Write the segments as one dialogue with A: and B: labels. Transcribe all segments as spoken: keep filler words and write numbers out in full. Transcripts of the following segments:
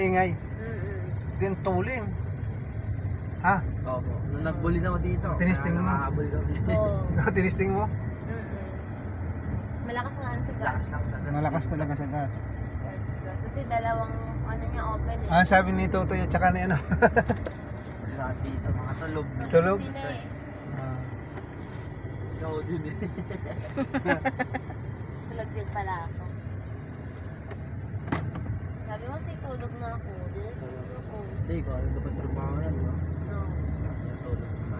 A: maingay.
B: Mm-mm.
A: Din tuling. Ha?
C: Opo. Nung nagbuli na ako dito.
A: Tinisting mo?
C: Nakakabuli kami.
B: Oo.
A: Tinisting mo?
B: Mm-mm. Malakas nga ang sa gas.
C: Lakas lang sa gas.
A: Malakas talaga sa gas.
B: Sports gas. Kasi dalawang ano niya open eh.
A: Ah, sabi ni Totoy at saka ni ano.
C: Lahat dito, mga tulog.
A: Tulog?
B: Sila eh.
A: Ah,
C: Ikaw din eh.
B: Tulog din pala ako. Sabi mo si tulog na ako. Di na tulog ako.
C: Hindi ko, ano dapat trabaho yan, di ba?
B: No.
C: Natulog na.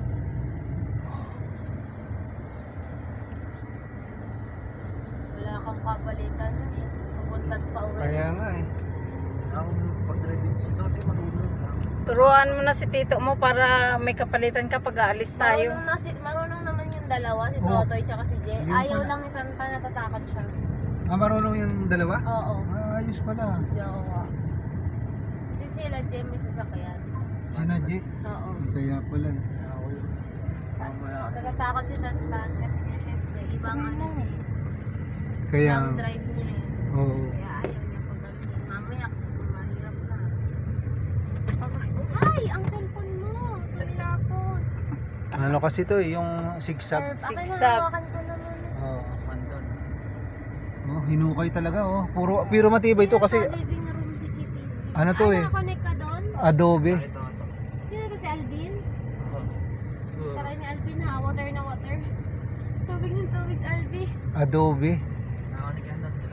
B: Wala kang kapalitan nun eh. Papuntat pa uwi.
A: kaya nga eh.
C: Ako, pag-driving dito, di marunong ka.
D: Turuan mo na si tito mo para may kapalitan ka pag aalis tayo.
B: Marunong, na si, marunong naman yung dalawa, si
A: Oo.
B: Totoy tsaka si Jay.
A: Yun
B: Ayaw
A: pala.
B: lang ni Tanta natatakot siya.
A: Ah, marunong yung dalawa?
B: Oo.
A: Ah, ayos pala.
B: Jowa. Kasi sila Jay may sasakyan.
A: Sina G.
B: Oo.
A: Kaya pala. eh.
C: Ako yun. Mamaya.
B: Natatakot si Tanta kasi nga syempre ibang ano eh.
A: Kaya,
B: Ibang drive niya eh.
A: oo.
B: Kaya ayaw niya pag ano eh. Mamaya mahirap na. Pag, ay! Ang cellphone mo! Tumilapon.
A: Ano kasi to eh, yung zigzag.
B: Akin na
D: Zigzag.
B: hawakan ko naman.
A: Oo.
C: Mandon.
A: Oh, hinukay talaga oh. Puro, pero matibay to kasi
B: Nasa living room C C T V.
A: Ano to
B: ah,
A: eh?
B: nakakonect ka doon?
A: adobe.
C: Ito, ito.
B: Sino to si Alvin?
C: Ako. Siguro.
B: Tara ni Alvin na, water na water. Tubig ng tubig si Alvin.
A: Adobe.
C: Nakanik yan doon.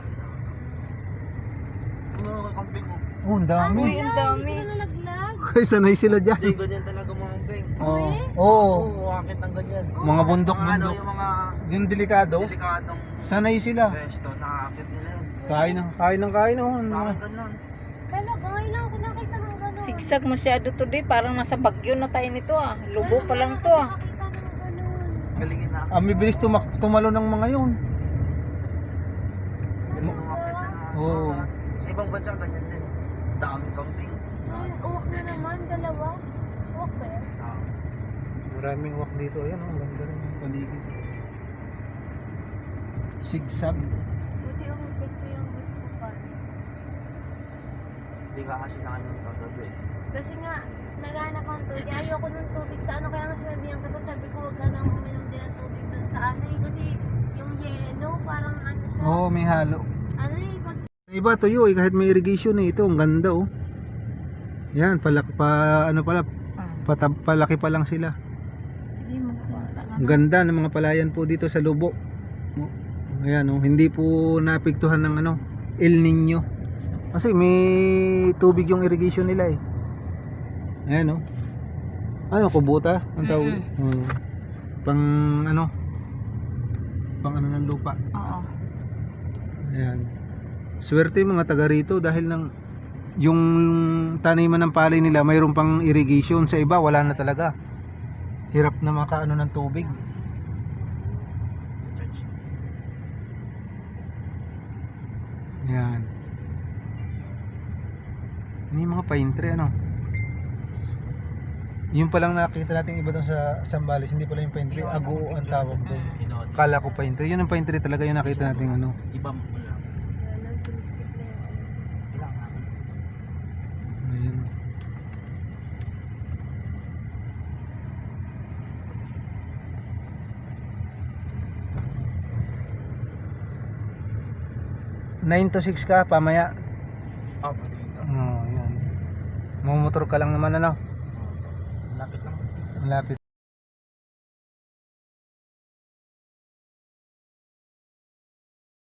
C: Ano ka camping ko?
A: Oh, ang dami.
D: Uy, ang dami.
B: Hindi sila nalaglag.
A: Kaya sanay sila
C: Hindi,
A: dyan.
C: ganyan talaga mga camping.
A: Oo.
B: eh?
A: Oo.
C: Oo, akit ang ganyan.
B: Oo.
A: Mga
C: Mga ano,
A: bundok-bundok.
C: yung mga
A: Yung delikado.
C: delikadong
A: Sanay sila.
C: pwesto, nakakit nila yun.
A: Kain ng kain ng kain oh. Ano
C: Bakit
A: mga-
C: ganun?
B: Kala, ngayon lang ako nakita ng gano'n.
D: Sigsag masyado today, parang nasa bagyo na tayo nito ah. Lubo pa lang to ah.
B: Nakakita ng gano'n.
C: Galingin na.
A: Ah, may bilis tumak tumalo ng mga yun.
C: Galing umakit na na.
A: Oo.
C: Sa ibang bansa, ganyan din. Daming camping.
B: So, uwak na naman, dalawa. Uwak ba yan?
C: Ah,
A: Maraming walk dito. Ayan oh, ang ganda rin yung paligid. Zigzag.
B: Buti umipit ko yung bus ko pa.
C: Hindi ka kasi nakainom kagabi eh.
B: Kasi nga, naghanap ang tubig. Ayoko ng tubig sa ano. Kaya nga sinabihan ko, sabi ko, huwag ka nang uminom din ng tubig dun sa ano eh. Kasi yung yellow, parang ano siya.
A: Oo, oh, may halo.
B: Ano eh, pag
A: Iba tuyo eh, kahit may irrigation eh. Ito, ang ganda oh. Yan, palaki pa, ano pala, patab, palaki pa lang sila.
D: Sige, magsalita ka.
A: Ang ganda ng mga palayan po dito sa Lubo. Oh, ayan oh, hindi po naapektuhan ng ano, El Nino. Kasi may tubig yung irrigation nila eh. Ayan oh. Ano, kubuta? Ang tawag? Oh. Pang ano? Pang ano ng lupa.
D: Oo.
A: Ayan. Swerte yung mga taga rito dahil ng yung taniman ng palay nila mayroon pang irrigation, sa iba wala na talaga. Hirap na makaano ng tubig. Ayan. May mga pine tree ano. Yung palang nakita natin iba doon sa Sambales, hindi pala yung pine tree, ago ang tawag doon. Kala ko pine tree, yun ang pine tree talaga yung nakita natin ano.
C: Ibang mo lang.
B: Yan, sumiksik na yung ano.
C: Kailangan.
A: Ayan. nine to six ka, pamaya.
C: Ah, pati dito.
A: Oo, oh, yan. Mumotor ka lang naman ano.
C: Lapit lang.
A: Malapit.